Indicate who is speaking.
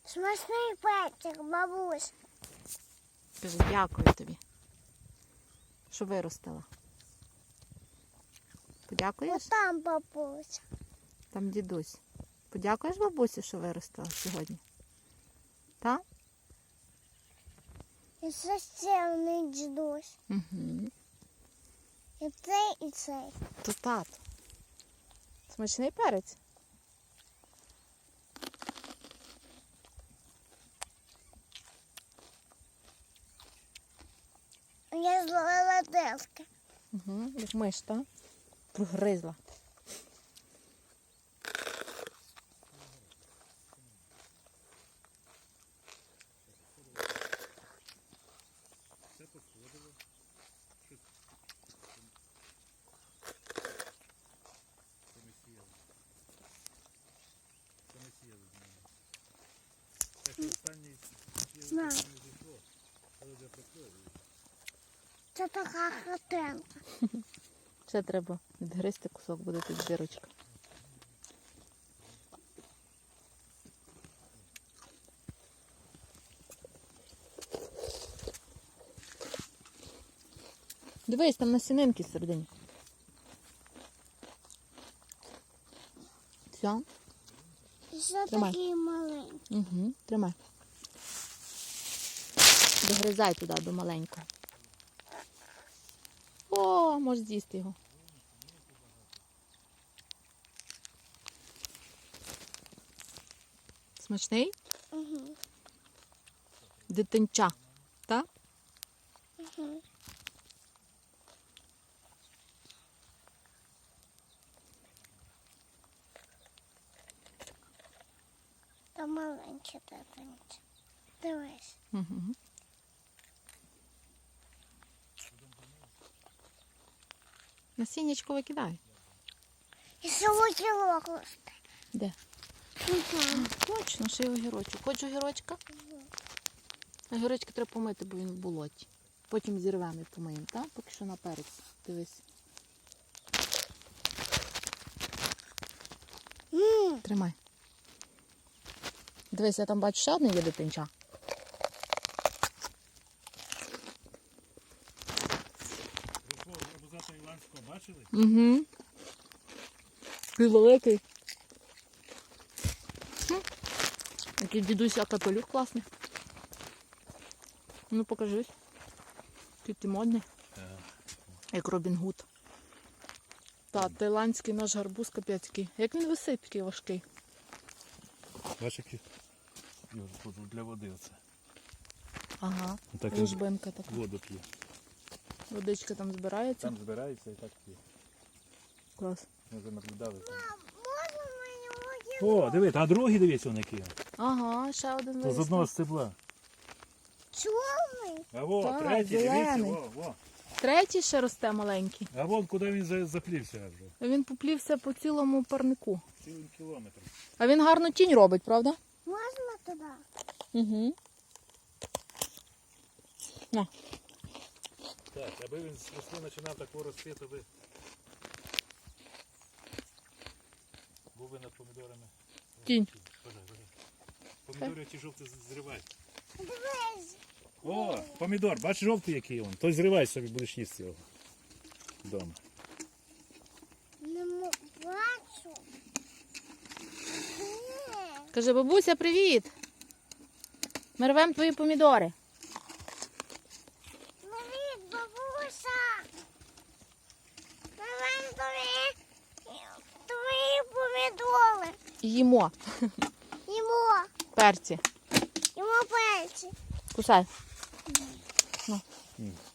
Speaker 1: Смачний перчик, бабусь.
Speaker 2: Кажи, дякую тобі, що виростила. Подякуєш?
Speaker 1: Отам бабусь.
Speaker 2: Там дідусь. Подякуєш бабусі, що виростила сьогодні? Так?
Speaker 1: І це ще один дідусь.
Speaker 2: Угу.
Speaker 1: І цей, і цей.
Speaker 2: То тато. Смачний перець?
Speaker 1: Я зловила диски.
Speaker 2: Угу. Як миш, так? Прогризла.
Speaker 1: Знаю. Це така хатинка.
Speaker 2: Ще треба відгризти кусок, буде тут дірочка. Дивись, там насінинки всередині. Все?
Speaker 1: І це
Speaker 2: Тримай.
Speaker 1: такий маленький.
Speaker 2: Угу, тримай. Догризай туди до маленького. О, можеш з'їсти його. Смачний?
Speaker 1: Угу.
Speaker 2: Дитинча, так?
Speaker 1: Угу. Та маленьке дитинче. Дивись.
Speaker 2: Угу. Насіннячко викидай.
Speaker 1: І солоділок росте.
Speaker 2: Де? Точно, ще й огірочок. Хочеш огірочка? Огірочки треба помити, бо він в болоті. Потім зірвемо і помиємо, так? Поки що на перець. Дивись. Тримай. Дивись, я там бачу ще одне є дитинча.
Speaker 3: Абузата Іландського бачили?
Speaker 2: Угу. Такий великий. Який дідусь, а капелюх класний. Ну покажись. Який ти модний. Як Робін Гуд. Та, таїландський наш гарбуз капець який. Як він висить такий важкий.
Speaker 3: Бачиш, який для води оце.
Speaker 2: Ага,
Speaker 3: Так він
Speaker 2: лужбинка така.
Speaker 3: воду п'є.
Speaker 2: Водичка там збирається.
Speaker 3: Там збирається і так п'є.
Speaker 2: Клас.
Speaker 3: Ми вже наблюдали.
Speaker 1: Можна мені огірок?
Speaker 3: О, диви, а другий дивіться он який.
Speaker 2: Ага, ще один
Speaker 3: То з одного стебла.
Speaker 1: Чорний?
Speaker 3: А во,
Speaker 2: Так,
Speaker 3: третій, дивіться,
Speaker 2: зелений.
Speaker 3: во.
Speaker 2: Третій ще росте маленький.
Speaker 3: А вон куди він заплівся вже.
Speaker 2: Він поплівся по цілому парнику.
Speaker 3: Цілим кілометром.
Speaker 2: А він гарну тінь робить, правда?
Speaker 1: Можна туди?
Speaker 2: Угу. На.
Speaker 3: Так, аби він з рослин починав такого рости, то би був би над помідорами.
Speaker 2: Тінь.
Speaker 3: Помідори ті жовті зривай.
Speaker 1: Дивись.
Speaker 3: О, помідор, бачиш жовтий який він. То зривай собі, будеш їсти його вдома.
Speaker 1: Не бачу. Ні.
Speaker 2: Каже, бабуся, привіт. Ми рвемо твої помідори.
Speaker 1: Привіт, бабуся. Давай твої помідори.
Speaker 2: Їмо.
Speaker 1: Їмо.
Speaker 2: Перці.
Speaker 1: Їмо печі.
Speaker 2: Кусай.
Speaker 3: М.